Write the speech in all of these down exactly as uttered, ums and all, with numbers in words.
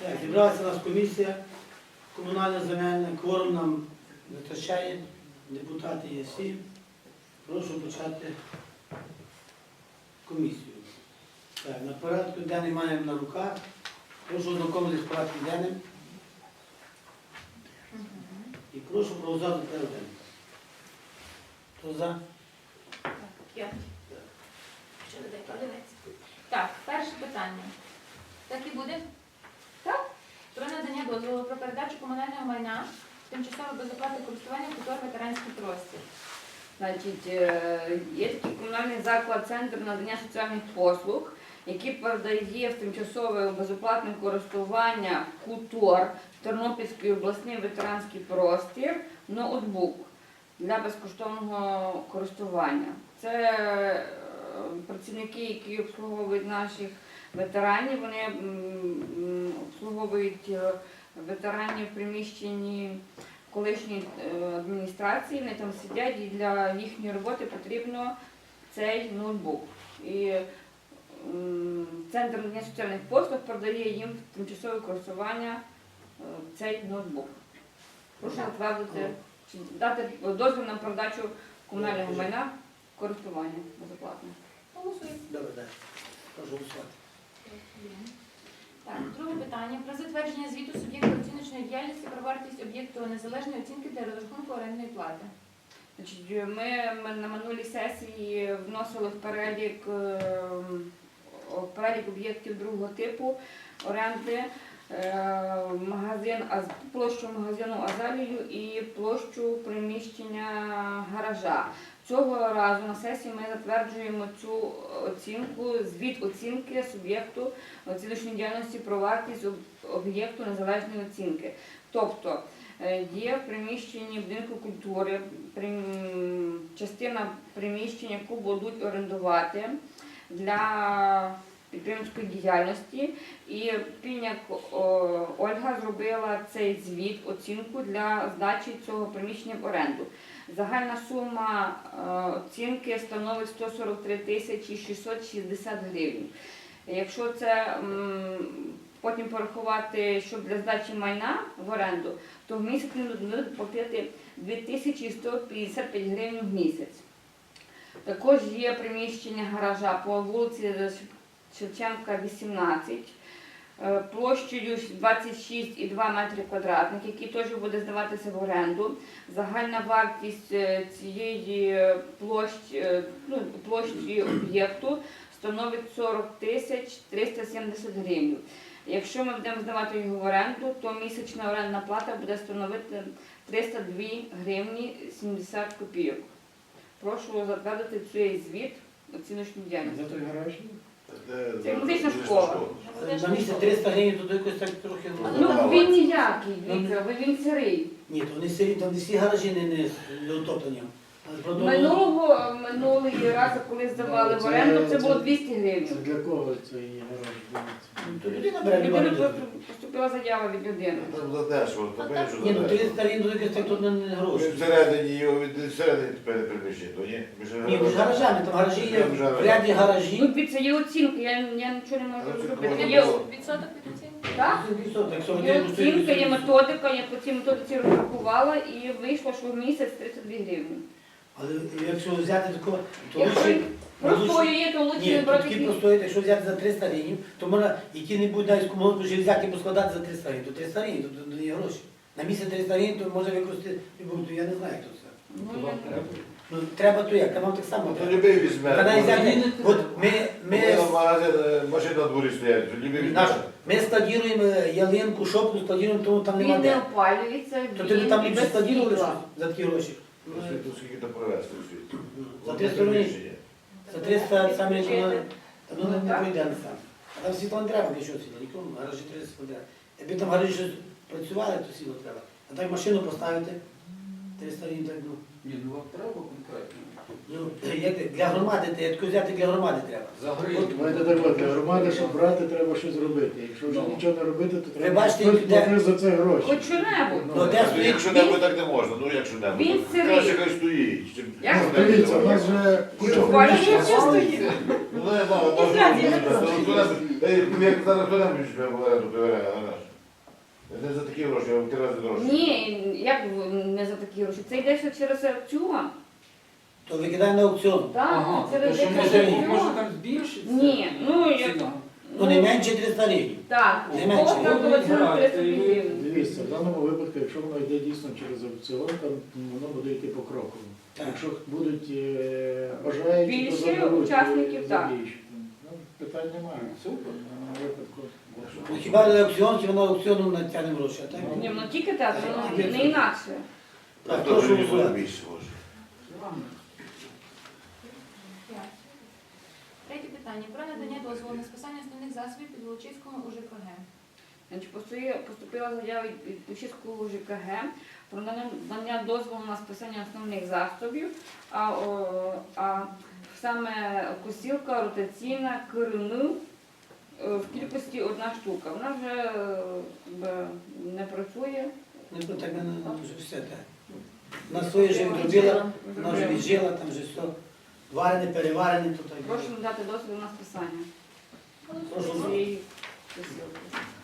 Так, зібралася у нас комісія комунальна земельна, кворум нам вистачає, депутати є всі. Прошу почати комісію. Так, на порядку денний маємо на руках. Прошу ознакомитись з порядком денним. І прошу проголосувати порядок денний. Хто за? Я. Ще не дай подивитися. Так, перше питання. Так і буде? Так. Про надання дозволу про передачу комунального майна тимчасово без оплати користування кутор ветеранський простір. Значить, е, є такий комунальний заклад Центр надання соціальних послуг, який передає в тимчасове безоплатне користування КУТОР Тернопільський обласний ветеранський простір ноутбук для безкоштовного користування. Це е, працівники, які обслуговують наших ветеранів, вони м, обслуговують е, ветеранів в приміщенні колишньої адміністрації, вони там сидять, і для їхньої роботи потрібно цей ноутбук. І м, Центр надання соціальних послуг передає їм в тимчасове користування е, цей ноутбук. Прошу затвердити, чи дати дозвіл на передачу комунального майна в користування безоплатне. Голосуємо. Добре, так. Прошу голосувати. Так, друге питання. Про затвердження звіту суб'єкту оціночної діяльності про вартість об'єкту незалежної оцінки для розрахунку орендної плати. Значить, ми, ми на минулій сесії вносили в перелік, е, в перелік об'єктів другого типу оренди е, магазин, Аз- площу магазину Азалію і площу приміщення гаража. Цього разу на сесії ми затверджуємо цю оцінку, звіт оцінки суб'єкту оціночної діяльності про вартість об- об'єкту незалежної оцінки. Тобто е, є в приміщенні будинку культури прим- частина приміщення, яку будуть орендувати для підприємницької діяльності. І Пільняк о, Ольга зробила цей звіт, оцінку для здачі цього приміщення в оренду. Загальна сума е, оцінки становить сто сорок три тисячі шістсот шістдесят гривень. Якщо це м, потім порахувати, що для здачі майна в оренду, то в місяць буде платити дві тисячі сто п'ятдесят п'ять гривень в місяць. Також є приміщення гаража по вулиці Шевченка, вісімнадцять, е, площею двадцять шість і два метри квадратних, який теж буде здаватися в оренду. Загальна вартість е, цієї площі, е, ну, площі об'єкту становить сорок тисяч триста сімдесят гривень. Якщо ми будемо здавати його в оренду, то місячна орендна плата буде становити триста дві гривні сімдесят копійок. Прошу затвердити цей звіт оціночної діяльності. За той гараж? Це музична школа. На місяць триста гривень, то якось так трохи... Ну він ніякий, Віктор, бо він сирий. Ні, то вони сирі, там всі гаражі не, не, не утоплені. Але правда, Минулого, минулий раз, коли здавали в оренду, це було двісті Це гривень. для кого цей гараж? ну, то людина бере люба Людина людина. просто поступила заява від людини. Там задешево, то певно, що Ні, ну задешево. триста гривень, то якось так тут не, не гроші. Всередині його від всередині тепер приміщення, то ні? Ми ж Ні, між гаражами, там гаражі є, Там гаражі. в ряді гаражі. Ну, під це є оцінка, я, я нічого не можу Але це зробити. можна Є, було. Відсоток від оцінки? так? Якщо Є один оцінка, є методика, я по цій методиці розрахувала і вийшло, що в місяць тридцять дві гривні. Але якщо взяти такого, то Якщо лучше... простою є, то лучше Ні, не то брати такі книг. простої, якщо взяти за триста гривень, то можна які-небудь навіть комунальну вже взяти і поскладати за триста гривень. То триста гривень, то, то не є гроші. На місяць триста гривень, то може використати, то я не знаю, як то все. Ну, я- Ну, треба то як, там вам так само. Ну, то треба. любий візьме. Та навіть взяти, от ми, Ми ми, в магазин, е, машина на дворі стоять, то любий візьме. нашу, ми складіруємо ялинку, шопку складіруємо, тому там нема Він не де. опалюється, То ти він там і ліпше без складірували світла. за такі гроші. Ну, світу скільки то провести в світі. За Одне триста гривень. приміщення. За триста саме як воно, та ну не- не Так. пройде не сам. А там світло не треба, для чого світло, нікому, гаражі треба світло треба. Якби там гаражі щось працювали, то світло треба. А так машину поставити, триста гривень так, ну. Ні, ну вам треба конкретно. Ну, як ти- для громади, ти таку взяти для громади треба. За гривню. От давайте так, от, для громади, щоб брати, треба щось робити. Якщо вже Ну. нічого не робити, то треба бачите, хтось де- платить за це гроші. Хоч що-небудь. Ну, де Ну, стоїть, якщо небудь так не можна, ну якщо небудь. Він сирий. Краще хай стоїть. чим- Як Ну, Ну, Дивіться, у давай. нас вже куча Опалюється, приміщень. стоїть. Ну, не, мама, І зразу, ну, хто нам- е, як зараз хто нам візьме в оренду, той оренду, гараж? Не за такі гроші, а в три рази дорожче. Ні, як не за такі гроші. Це йде ще через аукціон. То викидай на аукціон. Так, Ага, це то що йде ми через живі? може аукціон. там збільшиться? Ні, ну як. ціна? Ну не менше триста гривень. Так, Не у менше. кого стартова ціна триста гривень. Дивіться, в даному випадку, якщо воно йде дійсно через аукціон, там воно буде йти покроково. Так. Якщо будуть е, бажаючі, то Більше заберуть учасників, е, так. забільшити. Ну, питань немає. Супер. В даному випадку. Ну хіба не аукціон, хіба на аукціону натягнемо гроші, а так? Ні, ну тільки так, ну, не інакше. Так, То прошу вже не буде голосувати. більше, може. П'ять. Третє питання. Про надання дозволу на списання основних засобів під Волочиському у ЖКГ. Значить, постує- поступила заява від від Пущівського ЖКГ про надання дозволу на списання основних засобів, а, о, а саме косілка ротаційна КРН е, в кількості одна штука. Вона вже е, якби, не працює. Ну то так мене вже все так. Вона своє вже відробила, вона вже віджила, там вже все. Варене, переварене, то так. Прошу надати дозвіл на списання Прошу. цієї косілки.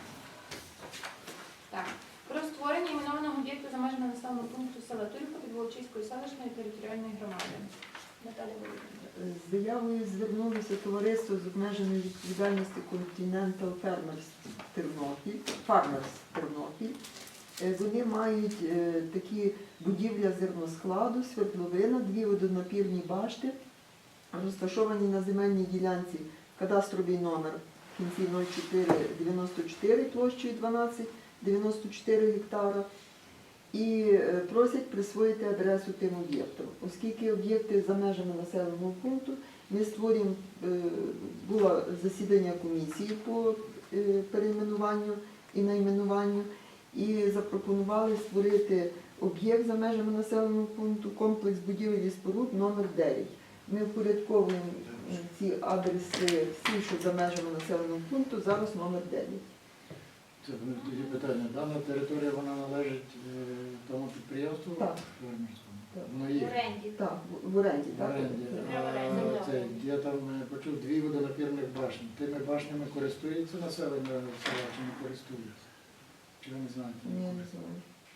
Так. Про створення іменованого об'єкту за межами населеного пункту села Турівка під Волочиської селищної територіальної громади. Наталя Володимирівна. З заявою звернулося товариство з обмеженою відповідальністю Continental Farmers Тернопіль, Farmers Тернопіль. Е, Вони мають е, такі будівля зерноскладу, свердловина, дві водонапірні башти, розташовані на земельній ділянці, кадастровий номер в кінці нуль чотири дев'яносто чотири площею дванадцять дев'яносто чотири гектара. І е, просять присвоїти адресу тим об'єктам. Оскільки об'єкти за межами населеного пункту, ми створюємо, е, було засідання комісії по е, перейменуванню і найменуванню, і запропонували створити об'єкт за межами населеного пункту, комплекс будівель і споруд номер дев'ять. Ми впорядковуємо е, ці адреси всі, що за межами населеного пункту, зараз номер дев'ять. Це в мене тоді питання. Дана територія вона належить е, тому підприємству? Так. Фермерському? Так. Воно В є. оренді. Так, в- в оренді, В так? оренді. В оренді, А, так. це, я там е, почув дві водонапірних башні. Тими башнями користується населення села чи не користується? Чи ви не знаєте? Ні, не знаю.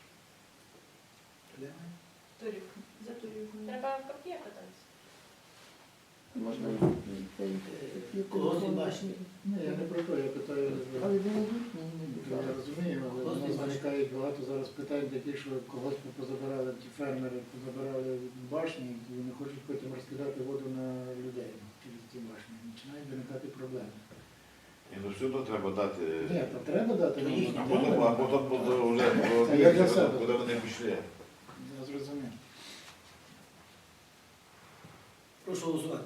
Турівка. За Турівкою. Треба в копія кататися. Можна цей такі Колгоспні телефони. башні. Ні, я не про те, я питаю. Але вони їхні, не Я зараз. розумію, але у Колгоспні нас башні. виникають багато зараз питань таких, що когось позабирали, ті фермери позабирали башні, і вони хочуть потім розкидати воду на людей через ці башні. Починають виникати проблеми. І ну все одно треба дати. Ні, то треба дати То нам їхні, А на потім, а проблеми. потім буде вже Це я для себе. куди вони пішли. Я зрозумів. Прошу голосувати.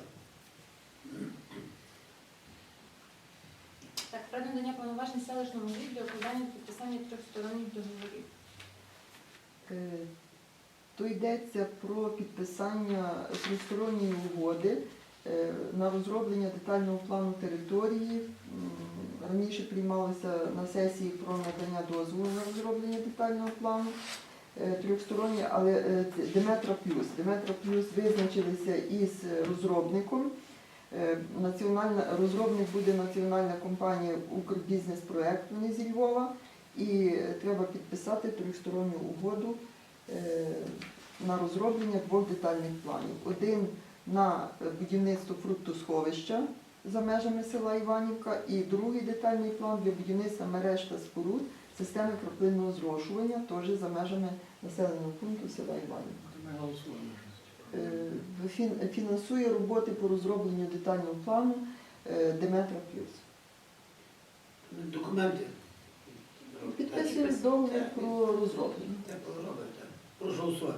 Так, про надання повноважень селищному голові для укладання та підписання трьохсторонніх договорів. Е, То йдеться про підписання тристоронньої угоди е, на розроблення детального плану території. М, Раніше приймалося на сесії про надання дозволу на розроблення детального плану е, трьохстороннє, але е, це Деметра Плюс. Деметра Плюс визначилися із розробником. Е, Національна, розробник буде національна компанія «Укрбізнес-проект», вони зі Львова, і треба підписати трьохсторонню угоду е, на розроблення двох детальних планів. Один на будівництво фруктосховища за межами села Іванівка, і другий детальний план для будівництва мереж та споруд системи краплинного зрошування, теж за межами населеного пункту села Іванівка. То ми голосуємо. Е, фін- Фінансує роботи по розробленню детального плану е, Деметра Плюс. Документи. Підписуємо договір про розроблення. Так, робимо, так. Прошу голосувати.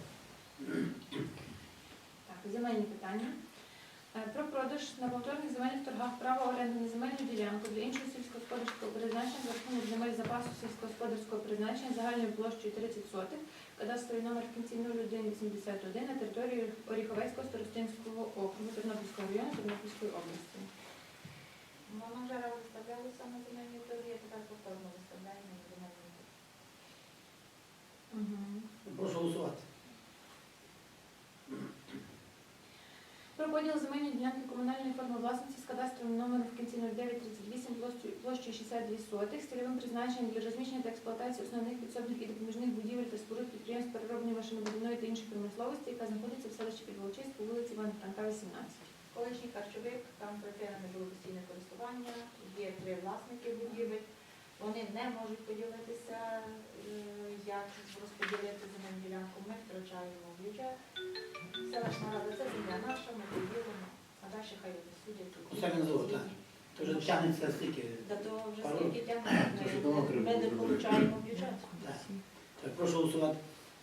Так, земельні питання. Е, Про продаж на повторних земельних торгах права оренди на земельну ділянку для іншого сільськогосподарського призначення за рахунок земель запасу сільськогосподарського призначення загальною площею тридцять сотих, кадастровий номер в кінці нуль один вісімдесят один на території Оріховецького старостинського округу Тернопільського району Тернопільської області. Воно вже виставлялося на земельні торги, тепер повторно виставляємо на земельні торги. Угу. Прошу голосувати. Про поділ земельної ділянки комунальної форми власності з кадастровим номером в кінці нуль дев'ять тридцять вісім площею площею шістдесят дві сотих з цільовим призначенням для розміщення та експлуатації основних підсобних і допоміжних будівель та споруд підприємств переробної машинобудівної та іншої промисловості, яка знаходиться в селищі Підволочиськ по вулиці Івана Франка, вісімнадцять. Колишній харчовик, там припинене було постійне користування, є три власники будівель. Вони не можуть поділитися, е, як розподілити земельну ділянку. Ми втрачаємо бюджет. Селищна рада, це земля наша, ми поділимо, а далі хай вони судять. Усе він зовут, так. То вже тягнеться стільки. Та то вже Пару. скільки тягнемо, Це ж ми, давно ми треба не було отримуємо бюджет. Так. Так, прошу голосувати.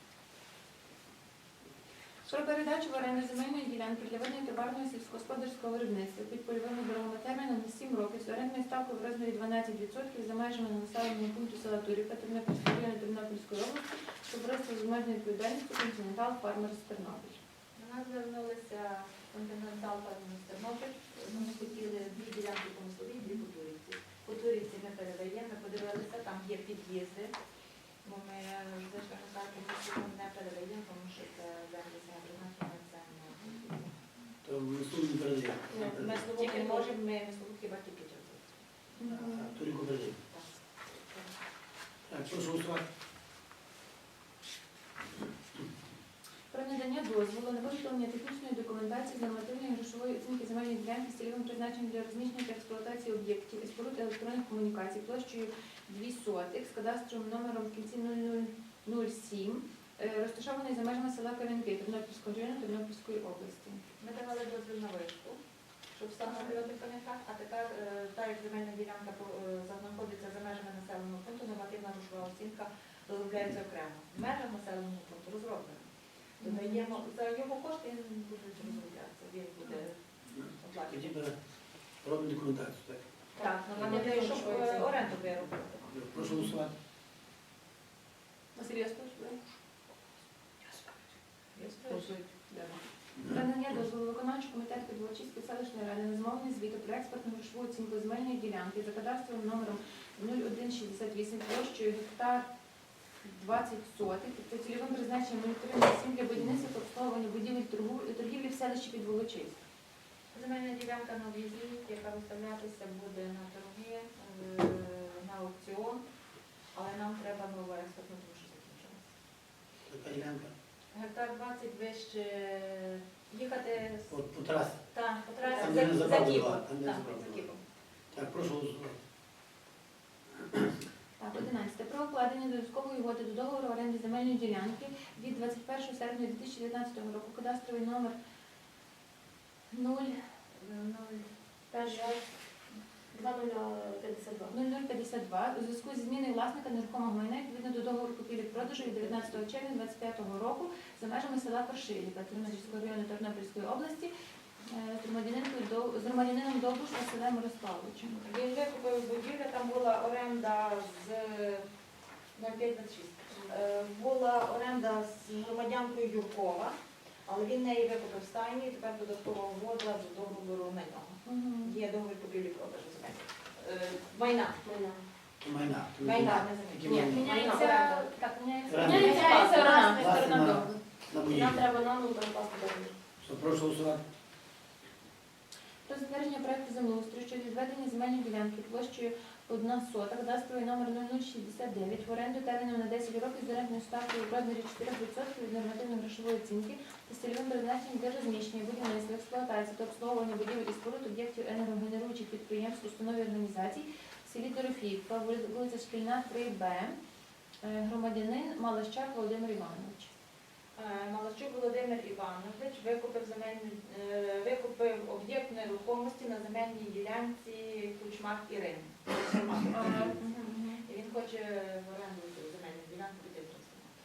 Про передачу в оренду земельної ділянки для ведення товарного сільськогосподарського виробництва під польовими дорогами терміном на сім років з орендною ставкою в розмірі дванадцять відсотків за межами населеного пункту села Турівка Тернопільського району Тернопільської області, товариство з обмеженою відповідальністю Континентал Фармерс Тернопіль. До нас звернулися Континентал Фармерс Тернопіль. Вони хотіли дві ділянки по Мисловій, дві по Турівці. По Турівці ми передаємо, ми подивилися, там є під'їзди. Бо ми зайшли на карту, ми не передаємо, тому що це землі саме призначення, це не То ми суд не передаємо. ми слово не можемо, ми слово хіба тільки часу. Туріку передаємо. Так, прошу голосувати. Про надання дозволу на виготовлення технічної документації з нормативної грошової оцінки земельної ділянки з цільовим призначенням для розміщення та експлуатації об'єктів і споруд електронних комунікацій площею дві сотих з кадастровим номером в кінці нуль нуль нуль сім, е, розташований за межами села Кам'янки Тернопільського району Тернопільської області. Ми давали дозвіл на вишку, щоб встановлювати пам'ятак, а тепер, е, так як земельна ділянка е, знаходиться за межами населеного пункту, нормативна грошова оцінка розробляється окремо. В межах населеного пункту розроблено. Додаємо за його кошти, він буде розроблятися, він буде оплачувати. Тоді бере- робимо документацію. Так. Так, нормативно, щоб е, оренду виробити. Прошу голосувати. Василь Яскович, ви? Я спрашиваю. Про надання дозволу виконавчого комітету Підволочиської селищної ради на замовлення звіту про експертну грошову оцінку земельної ділянки за кадастровим номером нуль один шістдесят вісім площею гектар двадцять сотих та цільовим призначенням нуль три нуль сім для будівництва та обслуговування будівель торгу- торгівлі в селищі Підволочиськ. Земельна ділянка на в'їзді, яка виставлятися буде на торги, е, на аукціон, але нам треба нова експертна, тому що закінчилася. Така ділянка. Гектар двадцять вище їхати з От по трасі. та, по трасі Там, за, де не за забрали Кіпом. два, там, де Так, забрали за два. Кіпом. Так, прошу голосувати. Так, одинадцяте. Про укладення додаткової угоди до договору оренди земельної ділянки від двадцять першого серпня дві тисячі дев'ятнадцятого року, кадастровий номер нуль нуль нуль п'ятдесят два у зв'язку зі зміною власника нерухомого майна відповідно до договору купівлі-продажу від дев'ятнадцятого червня двадцять п'ятого року за межами села Коршилівка Тернопільського району Тернопільської області е, з громадянином Дов- з громадянином Довбуш Василем Мирославовичем. Він викупив будівлю, там була оренда з нуль п'ять двадцять шість. Е, Була оренда з громадянкою Юркова, але він неї викупив стайні і тепер додаткова угода з договору на нього. Мгм. Є договір купівлі-продажу земель. Е, Майна. То майна. То Майна, майна. не земель. Які Ні, майна? Міняється, оренда. так, міняється, Оренда. міняється сторона, Власне, сторона на- договору. На будівлі. треба нам перекласти договір. Що, прошу голосувати. Про затвердження проекту землеустрою щодо відведення земельної ділянки площею одна сота, кадастровий номер нуль нуль шістдесят дев'ять в оренду терміном на десять років з орендною ставкою в розмірі чотири відсотки від нормативної грошової оцінки та з цільовим призначенням для розміщення, будівництва, експлуатації та обслуговування будівель і споруд об'єктів енергогенеруючих підприємств, установ і організацій в селі Дорофіївка, вули- вулиця Шкільна, три Б, Е, громадянин Малащак Володимир Іванович. Е, Малащук Володимир Іванович викупив земельну е, викупив об'єкт нерухомості на земельній ділянці Кучмак Ірини. Ага, мгм, мгм. І він хоче в оренду цю земельну ділянку піти в трансформатор.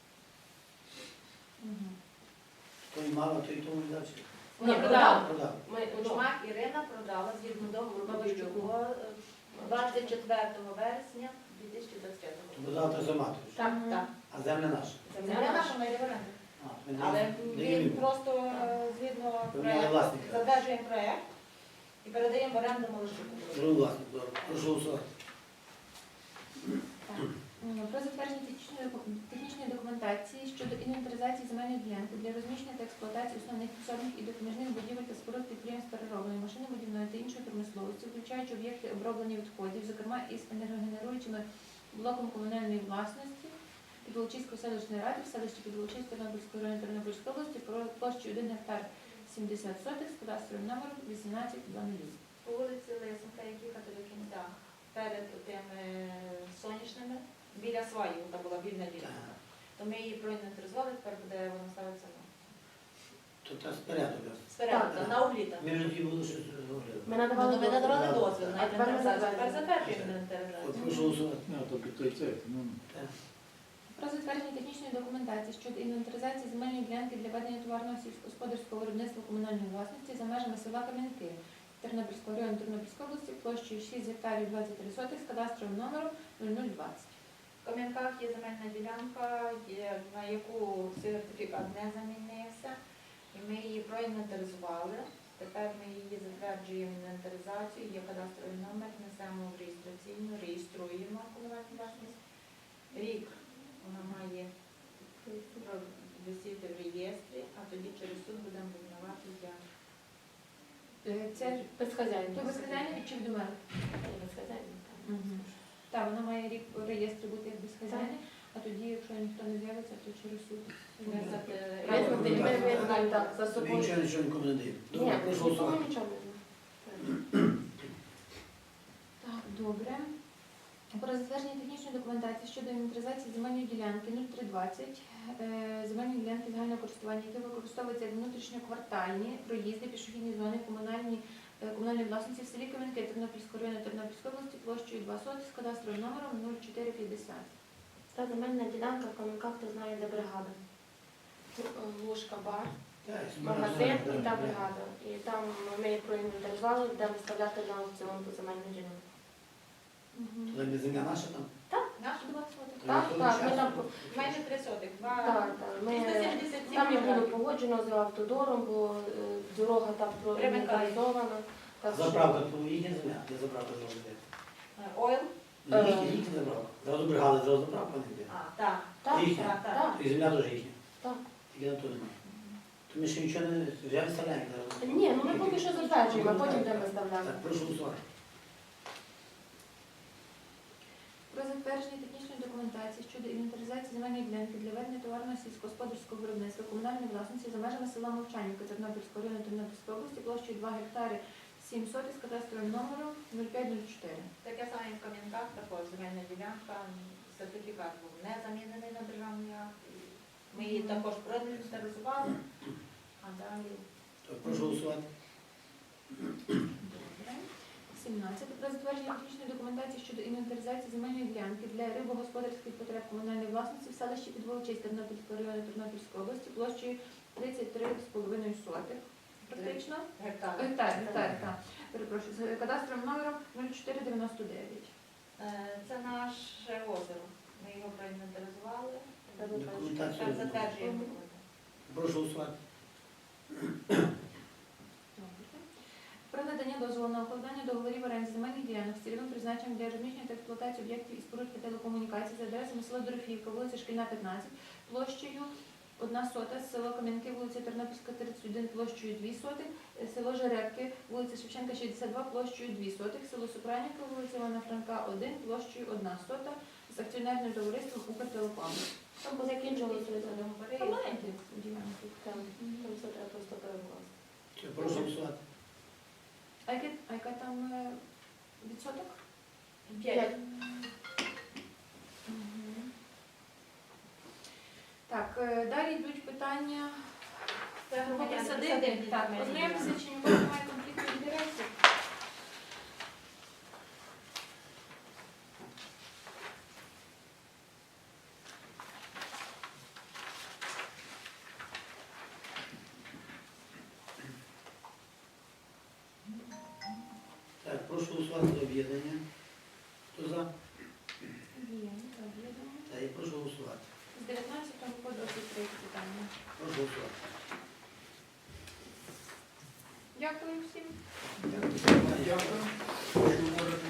Мгм. Той мало, той тому не дав. Ні, продав. Продав. Кучмак Ірина продала згідно договору Малащуку. Малащуку двадцять четвертого вересня дві тисячі двадцять п'ятого То року. продав трансформатор. Так, так. А земля наша. Земля наша має в оренду. А, ми Але даємо- даємо він йому. просто е, згідно Поміняли проєкту власника. задержуємо проєкт і передаємо в оренду Малащуку. Другий власник. Добре. Прошу голосувати. Так. М, Про затвердження технічної, доку- технічної документації щодо інвентаризації земельної ділянки для розміщення та експлуатації основних підсобних і допоміжних будівель та споруд підприємств переробної, машинобудівної та іншої промисловості, включаючи об'єкти оброблення відходів, зокрема із енергогенеруючими блоком комунальної власності Підволочиської селищної ради в селищі Підволочиськ Тернопільської району Тернопільської області про площею один гектар сімдесят сотих з кадастровим номером вісімнадцять двадцять. По вулиці Лисенка, як їхати до кінця, перед тими сонячними, біля сваю, там була вільна ділянка. То ми її проінвентаризували, тепер буде вона ставиться на То та спереду. якраз. спереду, Так. на угліта. Ми ж тоді були щось говорили. Ми Ну, надавали ми надавали дозвіл. дозвіл на А тепер ми інвентаризацію, тепер затверджуємо. затверджуємо От інвентаризацію. прошу голосувати. Ну, то під той цей, ну, Про затвердження технічної документації щодо інвентаризації земельної ділянки для ведення товарного сільськогосподарського виробництва комунальної власності за межами села Кам'янки Тернопільського району Тернопільської області площею шість гектарів двадцять три сотих з кадастровим номером нуль нуль двадцять. В Кам'янках є земельна ділянка, є- на яку сертифікат не замінився, і ми її проінвентаризували. Тепер ми її затверджуємо інвентаризацію, є кадастровий номер, несемо в реєстраційну, реєструємо комунальну власність. Рік вона має висіти в реєстрі, а тоді через суд будемо визнавати як. Е, Це ж Безхазяйно. то безхазяйне чи від мене? Безхазяйно. Так, вона має рік в реєстрі бути як безхазяйне, а тоді, якщо ніхто не з'явиться, то через суд. Визнати Визнати, ми Так. визнаємо так, за Тобі собою. нічого нічого нікому не даємо. Ні, Добре, прошу нікому голосувати. нічого не знаю. Так, добре. Про затвердження технічної документації щодо інвентаризації земельної ділянки нуль три двадцять, е, земельної ділянки загального користування, які використовуються як внутрішньоквартальні проїзди, пішохідні зони, комунальні, е, комунальної власності в селі Кам'янки Тернопільського району Тернопільської області площею два сотих з кадастровим номером нуль чотири п'ятдесят. Та земельна ділянка в Кам'янках, хто знає, де бригада. Лужка, бар, Так, магазин і та бригада. І там ми їх проінвентаризували, будемо виставляти на аукціон по земельну ділянку. Туди де земля наша там? Нашу два сотих. То Так, ніхто так, не ми там, участвує? Майже три сотих. Два. так, так, ми, триста сімдесят сім там не було квадратів. погоджено з автодором, бо е, дорога там проінвентаризована. Так що- Заправка, то їхня земля, де заправка зразу йде. Е, Ойл. Ну, їхня, їхня заправка. Зразу бригада, зразу заправка не йде. А, так. Так, Їхня. Так, так. так. І земля теж їхня. Так. Тільки на то немає. То ми ще нічого не вже виставляємо зараз. Ні, ну ми поки що затверджуємо, а потім будемо виставляти. Так, прошу голосувати. Про затвердження технічної документації щодо інвентаризації земельної ділянки для ведення товарного сільськогосподарського виробництва комунальної власності за межами села Мовчанівка Тернопільського району Тернопільської області площею два гектари сім сотих з кадастровим номером нуль п'ять нуль чотири. Таке саме і в Кам'янках, також земельна ділянка, сертифікат був не замінений на державний акт. Ми її також проінвентаризували, а далі Так, прошу голосувати. Добре. сімнадцять. Про затвердження технічної документації щодо інвентаризації земельної ділянки для рибогосподарських потреб комунальної власності в селищі Підволочиськ Тернопільського району Тернопільської області площею тридцять три з половиною сотих. Практично. гектар. Гектар, гектар, так. Перепрошую, з кадастровим номером нуль чотири дев'яносто дев'ять. Е, Це наше озеро. Ми його проінвентаризували. Документацію. Тепер затверджуємо. Прошу голосувати. Про надання дозволу на укладання договорів оренди земельних ділянок з цільовим призначенням для розміщення та експлуатації об'єктів і споруд телекомунікацій за адресами село Дорофіївка, вулиця Шкільна, п'ятнадцять, площею одна сота, село Кам'янки, вулиця Тернопільська, тридцять один, площею дві сотих, село Жеребки, вулиця Шевченка, шістдесят два, площею дві сотих, село Супранівка, вулиця Івана Франка, один, площею одна сота, з акціонерним товариством Укртелеком. Там позакінчувалося договори. Це маленькі ділянки. Там, там все треба просто перекласти. Прошу голосувати. А яке- а яка там е, відсоток? П'ять. Мгм. Так, е, далі йдуть питання Це про громадяни присадибні. присадибні Так, земельні познайомимося, ділянки. чи нікого немає конфлікту інтересів. Так, прошу голосувати за об'єднання. Хто за? Є, так, я думаю. Так, і прошу голосувати. З дев'ятнадцятого по двадцять третє питання. Прошу голосувати. Дякую всім. Дякую. Дякую.